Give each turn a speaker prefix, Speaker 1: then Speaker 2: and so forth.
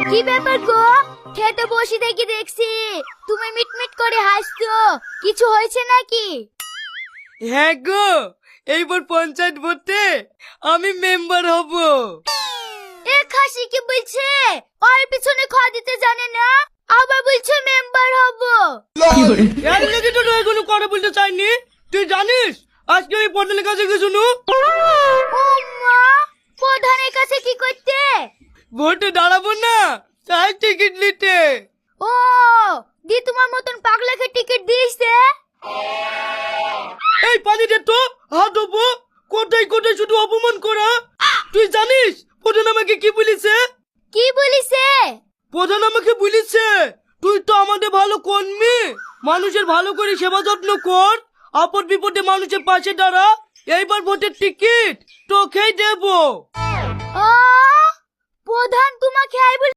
Speaker 1: কি ব্যাপার গো? খেতে বসে দেখি দেখছি তুমি মিটমিট করে হাসছো, কিছু হয়েছে নাকি?
Speaker 2: হ্যাঁ গো, এইবার পঞ্চায়েত ভোটে আমি মেম্বার হব।
Speaker 1: এ খাসি কি বলছে? ওর পিছনে খাওয়া দিতে জানে না, আবার বলছে মেম্বার হব।
Speaker 2: এর লেগে তো কোনো কথা বলতে চাইনি। তুই জানিস আজকে আমি প্রধানের কাছে গেছিল।
Speaker 1: ও মা, প্রধানের কাছে কি করতে?
Speaker 2: ভোটে দাঁড়াবো না, তাই টিকিট নিতে।
Speaker 1: ও, দি তোমার মতন পাগলাকে টিকিট দিয়েছে?
Speaker 2: এই পানি দে তো, হাত দেবো। কোথায় কোথায় শুধু অপমান করা। তুই জানিস প্রধান আমাকে কি বলেছে?
Speaker 1: কি বলিছে?
Speaker 2: প্রধান আমাকে বলেছে তুই তো আমাদের ভালো কর্মী, মানুষের ভালো করে সেবা যত্ন কর, আপদ বিপদে মানুষের পাশে দাঁড়া, এইবার ভোটের টিকিট তোকেই দেবো।
Speaker 1: ও, প্রধান তোমাকে আই